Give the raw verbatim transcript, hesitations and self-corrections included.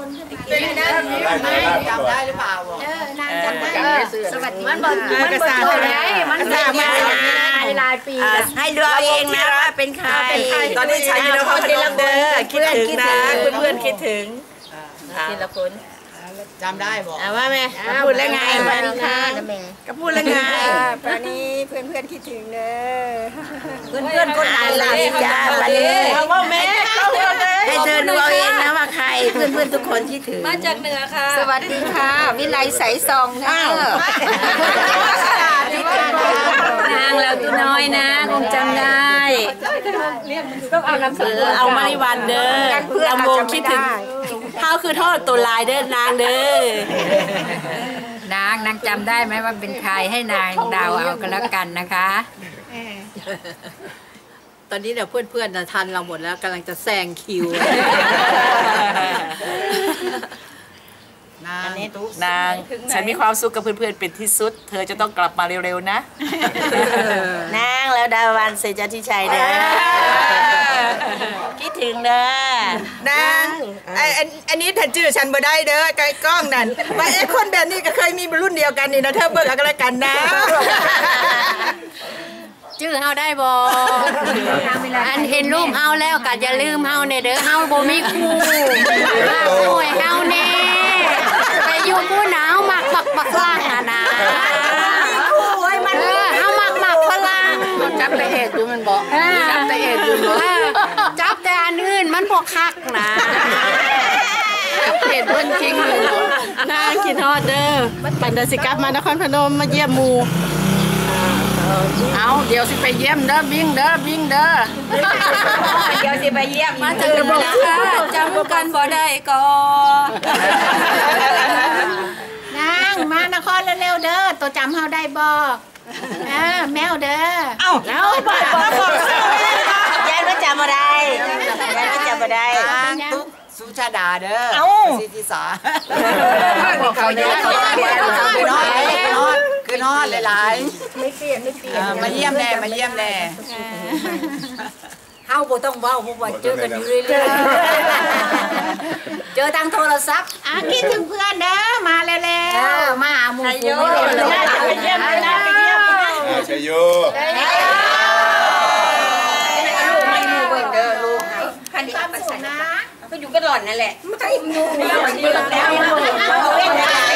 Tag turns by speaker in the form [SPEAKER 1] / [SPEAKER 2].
[SPEAKER 1] คนขึ้นมาจำได้หรือเปล่าเออนางจำได้สวัสดีมันบอกมันบอกไงมันสามารถหลายปีให้ดูเองนะว่าเป็นใคร
[SPEAKER 2] ตอนนี้ฉันอยู่ในห้องทีละคนคิดถึงนะเพื่อนๆคิดถึงทีละคน
[SPEAKER 1] จำได้บอก
[SPEAKER 2] ว่าแม่พูดแล้วไงวันนี้ค่ะก็พูดแล้วไง
[SPEAKER 3] ตอนนี้เพื่อนเพื่อนคิดถึงเนอะ
[SPEAKER 2] เพื่อนเพื่อนคนไหนล่ะจ้าวันนี้ว่าแม่ให้เธอดูเอาเองนะว่าใครเพื่อนเพื่อนทุกคนคิดถึง
[SPEAKER 3] มาจากเหนือค่ะ
[SPEAKER 2] สวัสดีค่ะวิไลใสซองค่ะ
[SPEAKER 3] นางแล้วตัวน้อยนะคงจำได้ต้องเอาน้ำสือ
[SPEAKER 2] เอามาริวันเด้อลำวงคิดถึงเท้าคือทอดตัวลายเด้อนางเด้
[SPEAKER 3] อนางนางจำได้ไหมว่าเป็นใครให้นางเดาเอากันแล้วกันนะคะ
[SPEAKER 2] ตอนนี้เนี่ยเพื่อนๆทันเราหมดแล้วกำลังจะแซงคิวน
[SPEAKER 1] าง
[SPEAKER 2] นางฉันมีความสุขกับเพื่อนๆเป็นที่สุดเธอจะต้องกลับมาเร็วๆนะนางแล้วดาวันเสจทิชัยเด้อคิดถึงเด้อน
[SPEAKER 4] างอันนี้ถัดชื่อฉันบ่ได้เด้อไกลกล้องนั่นว่าไอ้คนแบบนี้ก็เคยมีรุ่นเดียวกันนี่นะเธอเบิกอะไรกันนะ
[SPEAKER 3] ชื่อเฮาได้บ่อันเห็นรูปเฮาแล้วก็อย่าลืมเฮาเนี่ยเด้อเฮาบ่มีคู่มาช่วยเฮาแน่แต่อยู่ผู้หนาวมักมักมักฝรั่งอ่ะนะเออเฮามักมักฝรั่ง
[SPEAKER 2] จับแต่เอ็ดดูมันบอกจับแต่เอ็ดดูเนาะ
[SPEAKER 3] จับแต่อันอื่นมันบ่คักนะ
[SPEAKER 2] จับเอ็ดเพิ่นจริงเลยนางคิดฮอดเด้อปันเดสิกลับมานครพนมมาเยี่ยมหมู่เอาเดี๋ยวสิไปเยี่ยมเด้อวิ่งเด้อวิ่งเด้อ
[SPEAKER 3] เดี๋ยวสิไปเยี่ยมมาจากระบบจำกันบ่ได้ก็
[SPEAKER 1] นางมานครเร็วๆเด้อตัวจำเฮาได้บ่เออแมวเด้อ
[SPEAKER 4] เอ้าแล้วบอกบอก
[SPEAKER 2] ยายไม่จำอะไรยายไม่จำอะไร
[SPEAKER 1] ตุ๊กสุชาดาเด้อสิทิสา
[SPEAKER 2] เขาเยอะเขาเยอะ
[SPEAKER 1] เขาคือนอดคือนอดหลายๆไม่เปลี่ยนไม่เปลี่ยนมาเยี่ยมแน่มาเยี่ยมแน่
[SPEAKER 3] เฮาบ่ต้องเว้าเพราะว่าเจอกันอยู่เรื่อยๆเจอทางโทรศัพท์
[SPEAKER 1] อ่ะคิดถึงเพื่อนเด้อมาแล้วๆมาหาหมู่ฝูง
[SPEAKER 4] ไปเยี่ยมเลยนะไปเยี่ยม
[SPEAKER 5] ชัยโย
[SPEAKER 3] ลูกไม่มีเบิ่งเด้อลูกคันนี้ไปใส่นะก็อยู่กันหล่อนนั่นแหละไม่อยู่แล้วอยู่แล้ว